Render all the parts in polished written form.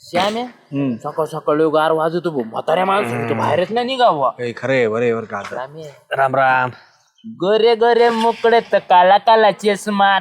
श्याम्या सकाळ सकाळ गार वाजवतो भाऊ म्हाताऱ्या माणूस बाहेरच नाही निघावा. खरे बरे बर का राम राम. गरे गरे मोकळे तर काला काला चष्मा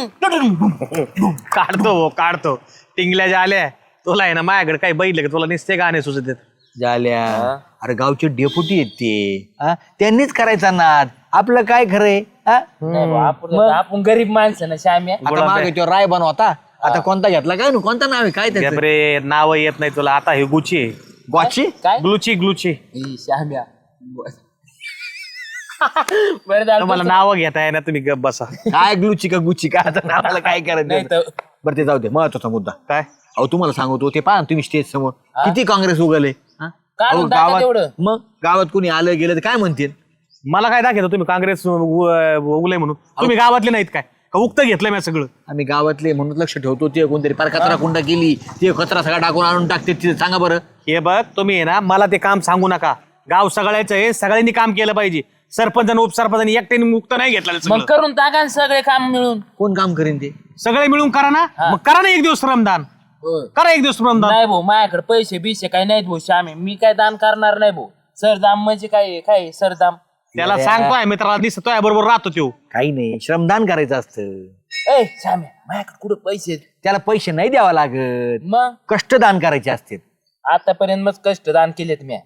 काढतो टिंगल्या ज्या आल्या तुला आहे ना माझ्याकडे काही बघितलं का तुला नुसते गाणे सुचत आहेत. झाल्या अरे गावचे डेपुटी आहेत ते त्यांनीच करायचा नाद आपलं काय खरंय नाही भाऊ, आपण गरीब माणसं ना श्याम्या. आता मागे तो राय बनवता आता कोणता घेतला काय कोणता नाव आहे काय त्याचं रे नाव येत नाही तुला आता हे गुची आहे. गॉची काय ग्लुची श्याम्या बरं झालं तुम्हाला नाव घेताय ना तुम्ही गप बसा. काय ग्लुची का गुची का आता नावाला काय नाही करायचं तर बरं ते जाऊ दे महत्वाचा मुद्दा काय अहो तुम्हाला सांगतो ते पहा ना तुम्ही स्टेज समोर किती काँग्रेस उगले काढून टाका तेवढं. मग गावात कोणी आलं गेलं तर काय म्हणतील मला काय दाखवतो तुम्ही काँग्रेस उगले म्हणून तुम्ही गावातले नाहीत काय का उक्त घेतलं मी सगळं. आम्ही गावातले म्हणून लक्ष ठेवतो ते कोणतरी पार कचरा कुंडा केली ते कचरा सगळा टाकून आणून टाकते तिथे सांगा बरं. हे बघ तुम्ही आहे ना मला ते काम सांगू नका. गाव सगळ्याचं आहे सगळ्यांनी काम केलं पाहिजे. सरपंच आणि उपसरपंचांनी एकट्याने मुक्त नाही घेतलं मग करून टाका ना सगळे काम मिळून. कोण काम करीन ते सगळे मिळून करा ना. मग करा ना एक दिवस श्रमदान करा एक दिवस श्रमदान. नाही भाऊ माझ्याकडे पैसे बिसे काही नाहीत भाऊ श्यामे. मी काय दान करणार नाही भाऊ. सरदाम म्हणजे काय काय सरदाम. त्याला सांगतोय मित्राला दिसतोय बरोबर राहतो तो. काही नाही श्रमदान करायचं असतं ए श्यामे माझ्याकडे कुठं पैसे आहेत? त्याला पैसे नाही द्यावा लागत मग कष्टदान करायचे असते आतापर्यंत मग कष्ट दान केलेत मी.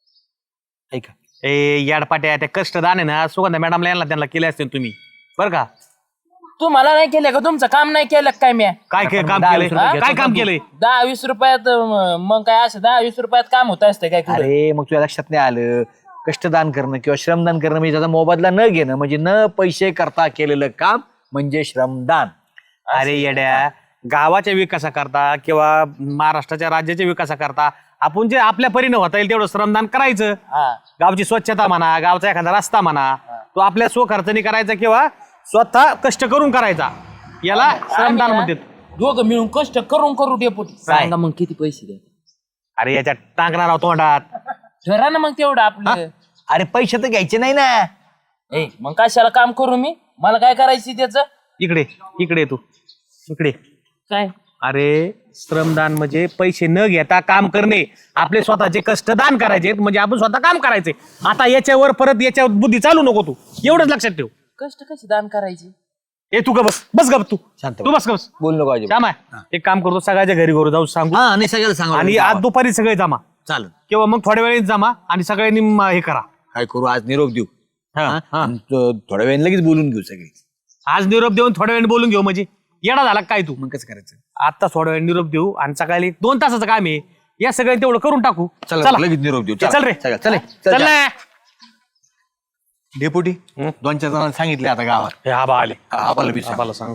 ऐका ए याडपाट्या त्या कष्टदान आहे ना सुगंधा मॅडमला यांना त्यांना केले असते तुम्ही बरं का. तुम्हाला नाही केलं का? तुमचं काम नाही केलं का काय मी? काय काम दहा केलंय वीस रुपये काय काम केलंय 10-20 रुपयात मग काय असं 10-20 रुपयात काम होत असतं काय कुठं? अरे मग तुझ्या लक्षात नाही आलं कष्टदान करणं किंवा श्रमदान करणं म्हणजे त्याचा मोबदला न घेणं म्हणजे न पैसे करता केलेलं काम म्हणजे श्रमदान. अरे येड्या गावाच्या विकासाकरता किंवा महाराष्ट्राच्या राज्याच्या विकासाकरता आपण जे आपल्या परीने होता येईल तेवढं श्रमदान करायचं. हा गावची स्वच्छता म्हणा गावचा एखादा रस्ता म्हणा तो आपल्या स्वखर्चाने करायचा किंवा स्वतः कष्ट करून करायचा याला श्रमदान म्हणतात. दोघं मिळून कष्ट करून करू डेपुटी. सांगा मग किती पैसे द्या. अरे याच्यात टाकणार आहोत तोंडात. ठरा ना मग तेवढं आपलं. अरे पैसे तर घ्यायचे नाही ना. ए मग कशाला काम करू मी? मला काय करायची त्याच? इकडे तू इकडे. काय अरे श्रमदान म्हणजे पैसे न घेता काम करणे आपले स्वतःचे कष्ट दान करायचे म्हणजे आपण स्वतः काम करायचे. आता याच्यावर परत याच्यावर बुद्धी चालू नको तू एवढंच लक्षात ठेव. कष्ट कशी दान करायची? ए तू बस गप तू शांत तू बस गप. बोल नको अजिबात. श्याम आहे एक काम करतो सगळ्याच्या घरी घरू जाऊ सांगू हा नाही सगळ्याला सांगा आणि आज दुपारी सगळे जमा चालेल किंवा मग थोड्या वेळेत जमा आणि सगळ्यांनी हे करा. काय करू आज निरोप देऊ हा. आणि थोड्या वेळाने लगेच बोलून घेऊ सगळे. आज निरोप देऊन थोड्या वेळाने बोलून घेऊ म्हणजे येडा झाला काय तू. मग कसं करायचं आता थोड्या वेळ निरोप देऊ आणि सकाळी 2 तासाचं काम आहे या सगळ्यांनी तेवढं करून टाकू. चला लगेच निरोप देऊ चल रे चल ना. डेपुटी 2-4 जणांना सांगितले आता गावात हे आबा आले आबाला सांग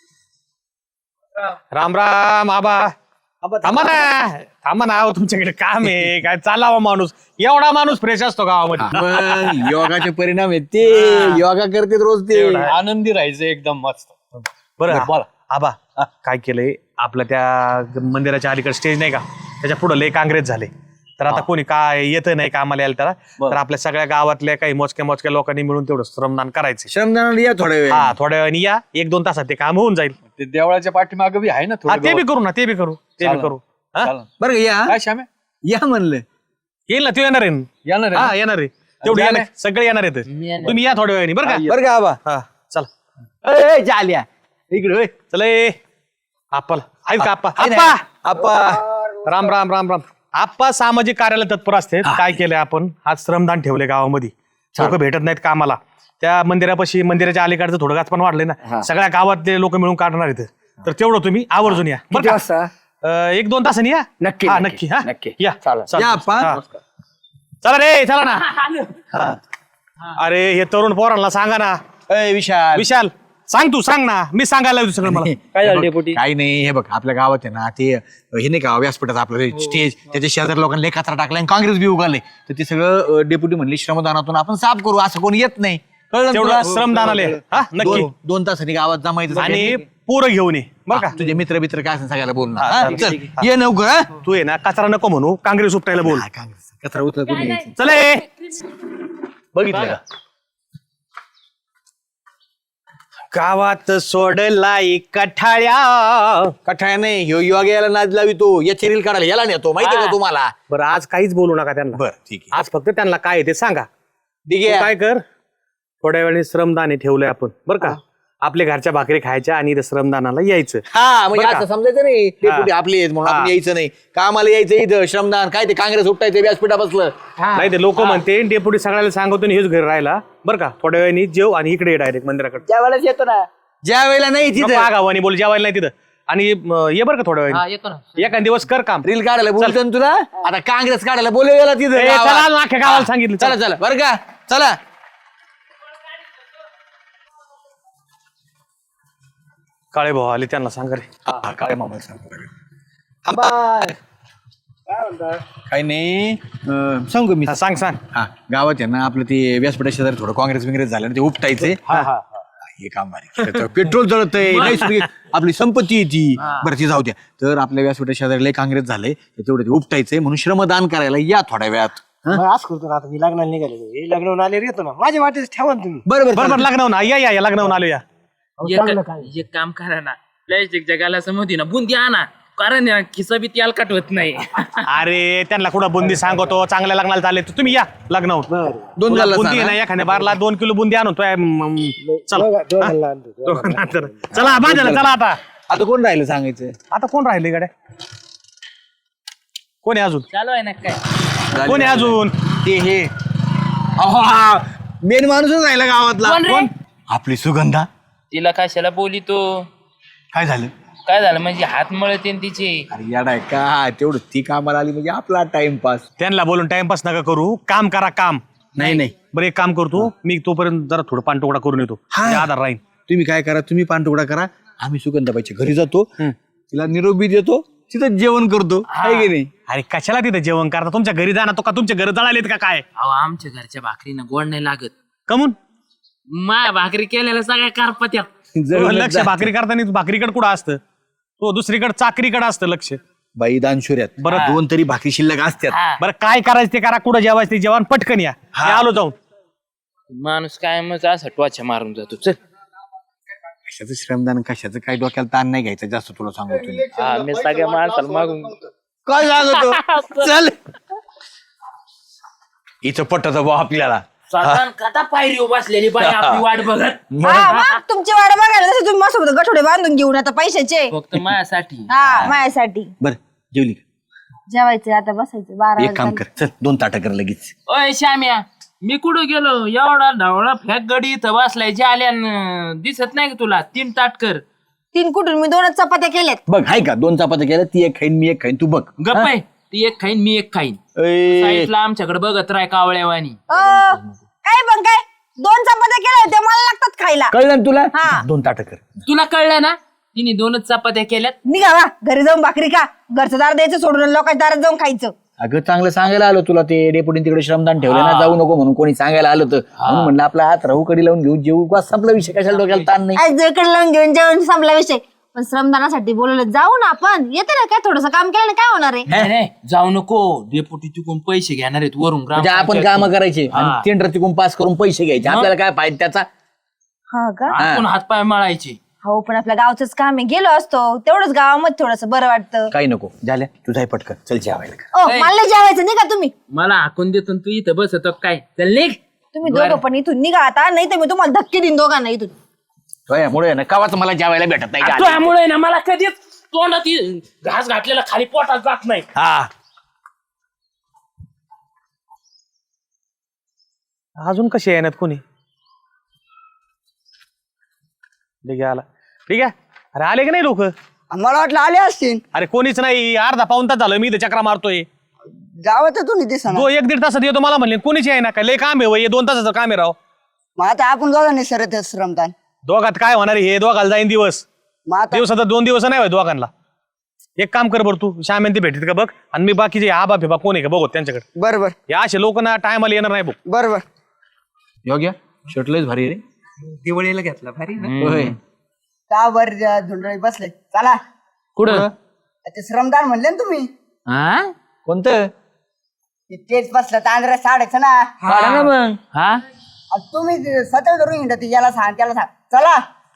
राम राम आबा. थांबा ना अहो, तुमच्याकडे काम आहे काय चालावा माणूस एवढा माणूस फ्रेश असतो गावामध्ये. मग योगाचे परिणाम आहेत ते योगा करते रोज ते आनंदी राहायचं एकदम मस्त. बरं बोला आबा काय केलंय आपल्या त्या मंदिराच्या अलीकडे स्टेज नाही का त्याच्या पुढे लय काँग्रेस झाले तर आता कोणी काय येत नाही कामाला यायला त्याला तर आपल्या सगळ्या गावातल्या काही मोजक्या लोकांनी मिळून तेवढं श्रमदान करायचं. श्रमदानाला या थोड्या वेळ हा थोड्या वेळाने या 1-2 तासात ते काम होऊन जाईल. ते देवळाच्या पाठीमागे बी आहे ना हा, ते बी करू हा? बरं का या काय श्याम्या या म्हणलं येईल ना तू येणार आहे येणार आहे हा येणार आहे तेवढी येणार सगळे येणार आहेत तुम्ही या थोड्या वेळाने बरं का. बरं का आबा हा चला ए झाल्या इकडे चला आप्पाला ऐक का आप्पा आप्पा राम राम राम राम. आप्पा सामाजिक कार्याला तत्पर असते. काय केलंय आपण आज श्रमदान ठेवले गावामध्ये लोक भेटत नाहीत कामाला त्या मंदिरापाशी मंदिराच्या अलीकडचं थोडं गाच पण वाढलंय ना सगळ्या गावातले लोक मिळून काढणार आहेत तर तेवढं तुम्ही आवर्जून या बरं का. 1-2 तासांनी या नक्की हा नक्की हा या या आप्पा चला रे चला ना. अरे हे तरुण पोरांना सांगा ना. ए विशाल सांग ना मी सांगायला लागलो सगळं मला. काय झालं डेपुटी? काही नाही हे बघ आपल्या गावात आहे ना ते हे नाही का व्यासपीठात आपलं स्टेज त्याच्या शेजारी लोकांनी लय कचरा टाकला आणि काँग्रेस बी उगाले तर ते सगळं डेप्युटी म्हणले श्रमदानातून आपण साफ करू असं कोणी येत नाही कळलं तेवढं श्रमदान आले हा नक्की 2 तासांनी गावात जमायचं आणि पोरं घेऊन ये बरं का. तुझे मित्र काय असं सगळ्याला बोलणार हा, चल ये नवकर हा? तू ये ना कचरा नको म्हणू काँग्रेस उपटायला बोल. काँग्रेस कचरा उचल कोणी यायचं. चल बघितलं का गावात सोडलाय कठाळ्या. कठाळ्या नाही ह्यो योग्य याला नाद लावी तो याची रील काढायला याला नेतो माहिती का तुम्हाला. बरं आज काहीच बोलू नका त्यांना. बरं ठीक आहे. आज फक्त त्यांना काय आहे ते सांगा. ठीक तू आहे. काय कर, थोड्या वेळाने श्रमदान हे ठेवलंय आपण बरं का. आपल्या घरच्या भाकरी खायच्या आणि इथं श्रमदानाला यायचं. हा म्हणजे बरं का? असं समजायचं नाही डेप्युटी आपले आहेत म्हणून आपण यायचं नाही. कामाला यायचं इथं श्रमदान काय ते काँग्रेस उठायचं व्यासपीठा बसलं. नाही ते लोक म्हणते डेप्युटी सगळ्याला सांगतो आणि हेच घरी राहिला बरं का. थोड्या वेळाने जेव आणि इकडे डायरेक्ट मंदिराकडे. त्यावेळेस येतो ना. ज्या वेळेला नाही तिथं गावानी बोल जेवायला नाही तिथं. आणि ये बरं का थोड्या वेळाने येतो ना. एखाद दिवस कर काम. रील काढायला बोलतो ना तुला. आता काँग्रेस काढायला बोलवलेला तिथं ए, गावात. चला ना, अख्ख्या गावाला सांगितलं. चला चला बरं का चला. काळे भाऊ आले त्यांना सांगा रे. काय मामा काही नाही सांगू मी. हा, सांग सांग. हा गावात आहे ना आपलं ते व्यासपीठा शेजारी थोडं काँग्रेस बिंग्रेस झालं ना ते उपटायचे. हे काम भारी पेट्रोल जळत आहे आपली संपत्ती आहे ती. बरं ती जाऊ द्या. तर आपल्या व्यासपीठा शेजारी लय काँग्रेस झालंय तेवढं ते उपटायचंय म्हणून श्रमदान करायला या थोड्या वेळात. आज करतो ना आता मी लग्नाला निघाले लग्नावरून आले येतो ना माझ्या वाटेच ठेवा ना तुम्ही. बरोबर बरोबर लग्न ना या लग्न आलो या. एक काम करा ना, प्लॅस्टिकच्या गालासमोर होती ना बुंदी आणा, कारण आहे ना, खिसा बी त्याला कटवत नाही. अरे त्यांना कुठं बुंदी सांगतो चांगल्या लग्नाला चालले तर तुम्ही या लग्न होत. दोन झालं बुंदी सांगा. आहे ना एखाद्या बारला 2 किलो बुंदी आणून तो चला दोघांना आणतो. चला बाजारला चला आता. आता कोण राहिलं सांगायचं. आता कोण राहिले गाड्या. कोण आहे अजून. चालू आहे ना काय. कोण आहे अजून. ते हे मेन माणूसच राहिला गावातला. कोण रे? कोण? आपली सुगंधा. तिला कशाला बोली तो. काय झालं. काय झालं म्हणजे हात मळते तिचे. अरे याडा का तेवढं ती कामाला आली म्हणजे आपला टाइमपास. त्यांना बोलून टाइमपास नका करू. काम करा काम. नाही नाही बरं एक काम करतो मी तोपर्यंत जरा थोडं पानटोकडा करून येतो. म्हणजे आधार राहील. तुम्ही काय करा तुम्ही पानटुकडा करा आम्ही सुगंधाबाईच्या घरी जातो तिला निरोपी देतो तिथं जेवण करतो आहे की नाही. अरे कशाला तिथे जेवण करता. तुमच्या घरी जाणार तो का तुमच्या घरी जळालेत का काय. अहो आमच्या घरच्या भाकरीनं गोड नाही लागत. कमून माया भाकरी केलेल्या सगळ्या कारपत्या. लक्ष भाकरी करताना भाकरीकडे कुठं असतं. तो दुसरीकडे चाकरीकडे असतं लक्ष. बाई दानशुऱ्यात बरं. दोन तरी भाकरी शिल्लक असतात. बरं काय करायचं ते करा. कुठं जेवायचं ते जेवण पटकन या. मी आलो जाऊन. माणूस काय मग असं टोचा मारून जातो. चल कशाचं श्रमदान कशाचं काय डोक्याला ताण नाही घ्यायचं जास्त तुला सांगतो. मी सगळ्या माणसाला मागून काय सांगतो चल इथं पटत भाऊ आपल्याला. कथा पायरी बसलेली बाई आपली वाट बघत. मग तुमची वाट बघायला तसे तुम्ही माझ्यासोबत गठोडे बांधून घेऊन आता पैशाचे. फक्त माझ्यासाठी. हा माझ्यासाठी बर जेवली का? जेवायचं आता बसायचं 12 एक काम कर चल 2 ताटं कर लगेच. ओय श्याम्या, मी कुठं गेलो एवढा ढवळा फॅक गडी इथं बसलाय जे आल्या दिसत नाही का तुला. 3 ताट कर. 3 कुठून मी 2च चपात्या केल्यात. बघ हाय का 2 चपात्या केल्या ती एक खाईन मी एक खाईन तू बघ. गप्प आहे. ती एक खाईन मी एक खाईन. ए, साईडला आमच्याकडे बघत राय कावळ्यावानी. काय पण काय 2 चपात्या केल्या होत्या मला लागतात खायला. कळलं ना तुला हा. 2 ताटं कर. तुला कळलं ना तिने 2च चपात्या केल्यात. निघा वा घरी जाऊन भाकरी खा. घरचं दार द्यायचं सोडून लोकांच्या दारात जाऊन खायचं. अगं चांगलं सांगायला आलो तुला ते डेपुटीन तिकडे श्रमदान ठेवलं ना जाऊ नको म्हणून कोणी सांगायला आलं तर म्हणून म्हणलं आपला हात राहू कडी लावून घेऊ जेऊ बस संपला विषय कशाला डोक्याला ताण नाही. आज जळकडे लावून घेऊन जेवण संपला विषय. पण श्रमदानासाठी बोलवलं जाऊ ना आपण. येते ना काय थोडस काम केलं काय होणार आहे. नाही नाही, जाऊ नको. डेपुटी तिकून पैसे घेणार आहेत वरून म्हणजे आपण काम करायचे आणि टेंडर तिकून पास करून पैसे घ्यायचे आपल्याला काय फायदा त्याचा. हा का. आपण हातपाय मळायचे. हो पण आपल्या गावचंच काम आहे. गेलो असतो तेवढंच गावामध्ये थोडस बरं वाटतं. काही नको झाल्या तुझाही पटकन चल जेवायला. ओ मला नाही जेवायचं निघा तुम्ही. मला हाकून देतो तू इथं बसत काय. चल निघ. तुम्ही दोघं पण इथून निघा आता. नाही तर मी तुम्हाला धक्के देईन दोघांना इथून. मुळे ना कावाच मला जेवायला भेटत नाही का? त्यामुळे ना मला कधीच तोंडात घास घातलेला खाली पोटात जात नाही. हा अजून कशी येणार कोणी. ठीक आहे आला. ठीक आहे. अरे आले की नाही लोक. मला वाटलं आले असतील. अरे कोणीच नाही. अर्धा पाऊण तास झालं मी इथे चक्रा मारतोय. जावं तर तुम्ही दिसा. 1-1.5 तासात येतो मला म्हणले कोणीच आहे ना काय. लय काम आहे 2 तासाचं काम आहे राव. मग आता आपण दोघांनी सरत श्रमदान. दोघात काय होणार आहे, हे दोघाला जाईन दिवस. मग आता दिवसाचा 2 दिवस नाही होय दोघांना. एक काम कर बरं तू श्याम ते भेटत का बघ. आणि मी बाकीचे आबा फिबा कोण आहे का बघत त्यांच्याकडे. बरोबर या असे लोक ना टायमाला येणार नाही बघ. बरोबर. योग्य शर्टलेच भारी रे. दिवाळीला घेतला भारी ना. होय. त्यावर धुंडळी बसले. चला कुठं. ते श्रमदान म्हणले ना तुम्ही. हा कोणतं तेच बसलं तांदळा साडेचं ना. काढा ना मग. हा तुम्ही सतत धरून हिंडत याला सांग त्याला सांग. चला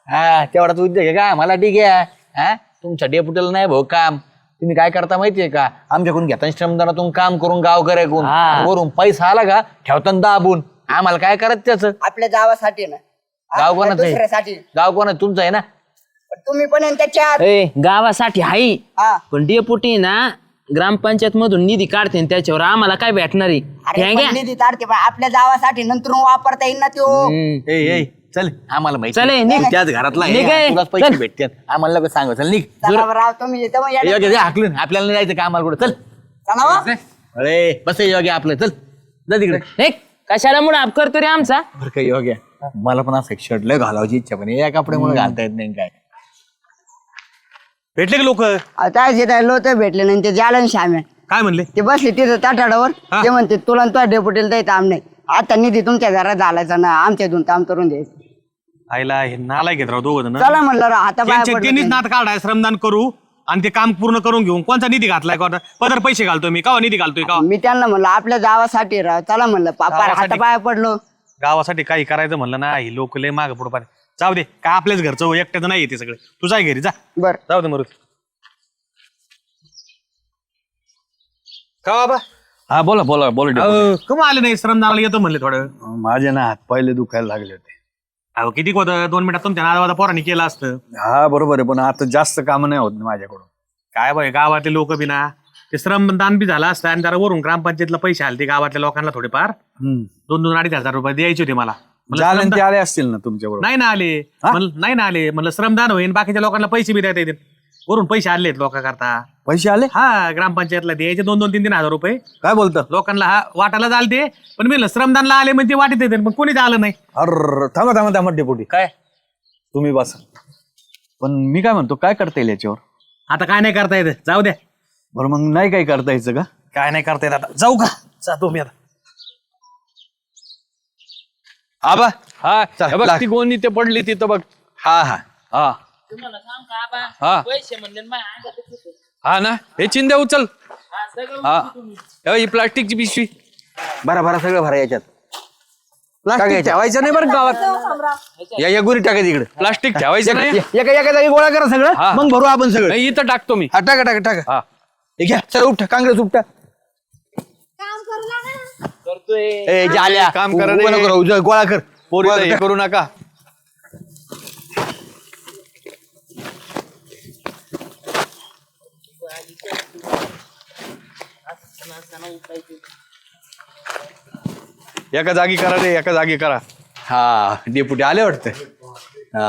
हा तेवढाच उद्योग आहे का मला ठीक आहे. हा तुमच्या डेप्युटीला नाही भाऊ काम. तुम्ही काय करता माहितीये का आमच्याकडून घेता श्रमदानातून काम करून गाव करायकून वरून पैसा आला का ठेवताना दाबून आम्हाला काय करायचं त्याचं. आपल्या गावासाठी ना गाव कोणाचं आहे? दुसऱ्यासाठी गाव कोणाचं तुमचं आहे ना. पण तुम्ही पण आहे त्याच्यात गावासाठी हाई हा. पण डेपुटी ना ग्रामपंचायत मधून निधी काढते आणि त्याच्यावर आम्हाला काय भेटणार आहे अरे हे घ्या. पण निधी काढते पण आपल्या गावासाठी नंतर वापरता येईल ना तो. ए चल आम्हाला माहिती चल, आहे. निघ. तू त्याच घरातला निघ, आहे. तुलाच पैसे चल. भेटतात आम्हाला लोक सांग चल निघ. चला बरं राव तुम्ही येतो मग येडे. योग्य हाकलून आपल्याला नाही जायचं का आम्हाला कुठं चल. चला हो. अरे बस योग्य आपलं चल जा तिकडे. हे, कशाला मुळे आप करतो रे आमचा बरं काही योग्य मला पण असं शर्ट लय घालावची इच्छा पण या कपड्यामुळे घालता येत नाही काय. भेटले की लोक आता जे लोक भेटले नाही ते जालन श्याम्या काय म्हणले? ते बसले तिथं ताटाडावर ते म्हणते तुला आणि तुझ्या डेपुटीला द्यायचं आम नाही आता निधी तुमच्या घरात घालायचा ना आमच्या दोन काम करून द्यायचं. आईला हे नालायक घेत राव दोघं जण. चला म्हणलं राव आता बाहेर त्यांनीच पडलं नात काढाय श्रमदान करू आणि ते काम पूर्ण करून घेऊन कोणता निधी घातलाय का पदर पैसे घालतोय मी का निधी घालतोय का मी त्यांना म्हणलं आपल्या गावासाठी राव चला म्हणलं पापा गावासाठी? हाता पाया पडलो. गावासाठी काही करायचं म्हणलं ना ही लोक लय माग पुढे पाहिजे. जाऊ दे काय आपल्याच घरचं एकट्याचं नाही येते सगळे. तू जाय घरी जा. बर जाऊ दे मरुत. का बाबा हा बोला बोला बोला. कमा आले नाही श्रमदानाला येतो म्हणले थोडं. माझे ना हात पहिले दुखायला लागले होते. अहो किती होतं 2 मिनिटात तुमच्या नादावादा पोरांनी केलं असतं. हा बरोबर आहे पण आता जास्त काम नाही होत ना माझ्याकडून. काय बाय गावातले लोक बी ना ते श्रमदान बी झालं असतं आणि जरा वरून ग्रामपंचायतला पैसे आले ते गावातल्या लोकांना थोडेफार 2-2-2.5 हजार रुपये द्यायचे होते मला. म्हणलं झाले श्रमदान- ते आले असतील ना तुमच्या बरोबर. नाही ना आले. नाही ना आले म्हणलं श्रमदान होईल बाकीच्या लोकांना पैसे बी देता येतील. वरून पैसे आले लोक करता. पैसे आले हा ग्रामपंचायतला द्यायचे 2-2-3-3 हजार रुपये काय बोलता. लोकांना हा वाटायला चालते पण मी श्रमदानला आले म्हणजे वाटत येते पण कोणीच आलं नाही. अर थांबा डेपुटी काय तुम्ही बसा. पण मी काय म्हणतो काय करता येईल याच्यावर. आता काय नाही करता येत जाऊ द्या. बरं मग नाही काही करता यायचं का. काय नाही करता येत आता जाऊ का जातो मी आता. आबा हा बघ ती गोणी ते पडली तिथं बघ. हा हा हा तुम्हाला सांग का आबा हा पैसे म्हणले ना माझ्या अंगातच होते. हा ना हे चिंध्या उचल. हा, सगळं हा उचलू तुम्ही. हे ही प्लास्टिकची पिशवी. भरा सगळं भरा याच्यात. प्लास्टिक ठेवायचं नाही बरं गावात. या गुरी टाकायची इकडे. प्लास्टिक ठेवायचं नाही. एका जागी गोळा करा सगळं हा. मग भरू आपण सगळं. नाही, इथं टाकतो मी. हा टाका हा हे घ्या चला उपटा काँग्रेस उपटा. काम करू लागा ना. करतोय ए जाल्या काम करा उभं रे. नको राहू, जा, गोळा कर. पोरीला गोळा हे कर. करू नका. एका जागी करा रे एका जागी करा. हा डेपुटी आले वाटतं. हा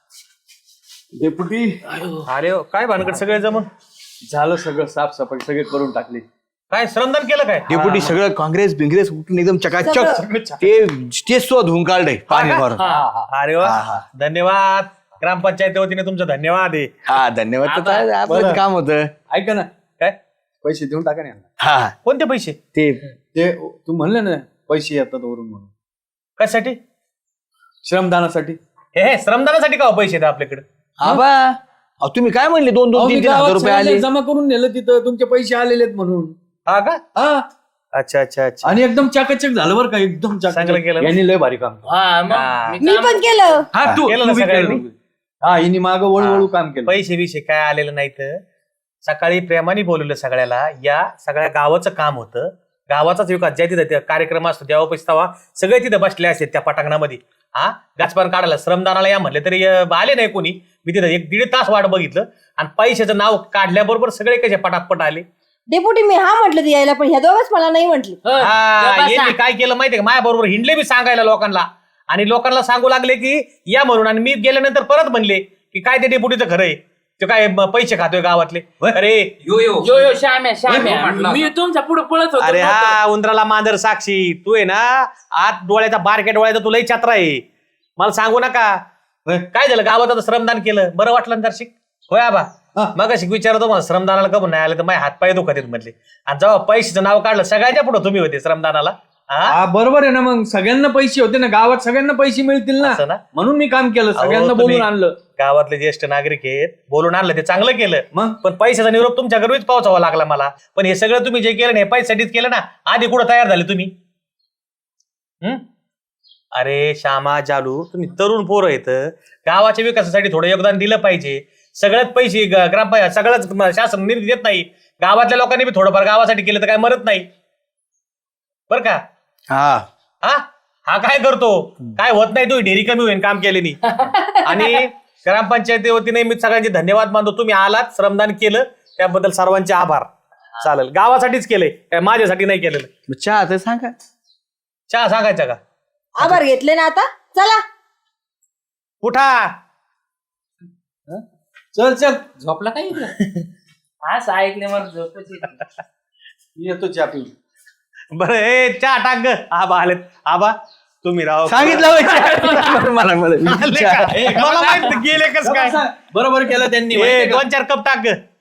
डेपुटी अरे काय भानगड सगळे जमून झालं सगळं साफसफाई सगळे करून टाकली. काय श्रमदान केलं काय. डेपुटी सगळं काँग्रेस बिंग्रेस उठून एकदम चकाचक ते स्टेज सुद्धा धुवून काढलंय पाणी मारून. अरे वा धन्यवाद ग्रामपंचायती वतीने तुमचं धन्यवाद आहे. हा धन्यवाद तर काय आपलं काम होतं. ऐका ना काय पैसे देऊन टाका ना यांना. हा कोणते पैसे ते ते तू म्हणले ना पैसे येतात वरून म्हणून कशासाठी. श्रमदानासाठी. हे श्रमदानासाठी का हो पैसे द्या आपल्याकडे. आबा अहो, तुम्ही काय म्हणले 2-2-3-3 हजार रुपये आले. जमा करून नेलं तिथं तुमचे पैसे आलेले आहेत म्हणून. हा का. हा अच्छा अच्छा अच्छा आणि एकदम चाकाचक झालं बरं का एकदम चांगलं केलं. यांनी लय भारी काम केलं. हा मग मी पण केलं. हा तू केलं ना तू बी सगळ्यांनी? केलं. हा हिने माग वळू काम केलं. पैसे बिशे काय आलेलं नाही तर सकाळी प्रेमाने बोलवलं सगळ्याला. या सगळ्या गावाचं काम होतं. गावाचाच विकास ज्या तिथं त्या कार्यक्रम असतो तेव्हा पैसे तवा सगळे तिथं बसले असते त्या पटांगणामध्ये. हा गाचपान काढायला श्रमदानाला या म्हणले तरी आले नाही कोणी. मी तिथं 1-1.5 तास वाट बघितलं आणि पैशाचं नाव काढल्याबरोबर सगळे कसे पटापट आले. डेपुटी मी हा म्हटलं ती यायला पण ह्या दोघच मला नाही म्हटली. हा यांनी काय केलं माहितीये का माझ्या बरोबर हिंडले मी सांगायला लोकांना आणि लोकांना सांगू लागले की या म्हणून. आणि मी गेल्यानंतर परत म्हणले की काय ते डेपुटीचं खरं आहे ते काय पैसे खातोय गावातले. अरे यो श्याम्या मी तुमच्या पुढे पळत अरे होतो. हा उंदराला मांजर साक्षी तू आहे ना. आत डोळ्याचा बारक्या डोळ्याचा तुलाही छत्रा आहे. मला सांगू नका. काय झालं गावात आता श्रमदान केलं बरं वाटलं ना दर्शिक. होय आबा मग अशी विचारतो मला श्रमदानाला कबून नाही आलं तर माझे हातपाय दुखत आहेत म्हटले. आणि जेव्हा पैशाचं नाव काढलं सगळ्याच्या पुढे तुम्ही होते श्रमदानाला. हा बरोबर आहे ना मग सगळ्यांना पैसे होते ना गावात सगळ्यांना पैसे मिळतील असं ना? ना म्हणून मी काम केलं सगळ्यांना अहो, तुम्ही बोलून आणलं. गावातले ज्येष्ठ नागरिक आहेत बोलून आणलं ते चांगलं केलं. मग? पण पैशाचा निरोप तुमच्या घरीच पोहोचावा लागला मला. पण हे सगळं तुम्ही जे केलं ना हे पैशासाठीच केलं ना. आधी कुठं तयार झाले तुम्ही. अरे श्यामा जालू तुम्ही तरुण पोरं आहेत, गावाच्या विकासासाठी थोडं योगदान दिलं पाहिजे. सगळ्यात पैसे ग्रामपंचायत सगळंच शासन निधी देत नाही. गावातल्या लोकांनी बी थोडंफार गावासाठी केलं तर काय मरत नाही बर का. हा हा हा काय करतो, काय होत नाही, तू ढेरी कमी होईल काम केल्याने. आणि ग्रामपंचायती वतीने मी सगळ्यांचे धन्यवाद मानतो. तुम्ही आलात, श्रमदान केलं, त्याबद्दल सर्वांचे आभार. चालेल, गावासाठीच केलंय, काय माझ्यासाठी नाही केलेलं. मग चहा तर सांगा. चहा सांगायचा का? आभार घेतले ना आता, चला. उठा. चल चल झोपला काय असं ऐकले मला झोपच येते. येतो चहा पिऊन. बरं हे चहा टाक ग. आबा आलेत. आबा तुम्ही राव सांगितलं होय चहा. मला आले का? मला माहित गेले कस काय. बरोबर केलं त्यांनी हे माहितीये का? 2-4 कप टाक ग.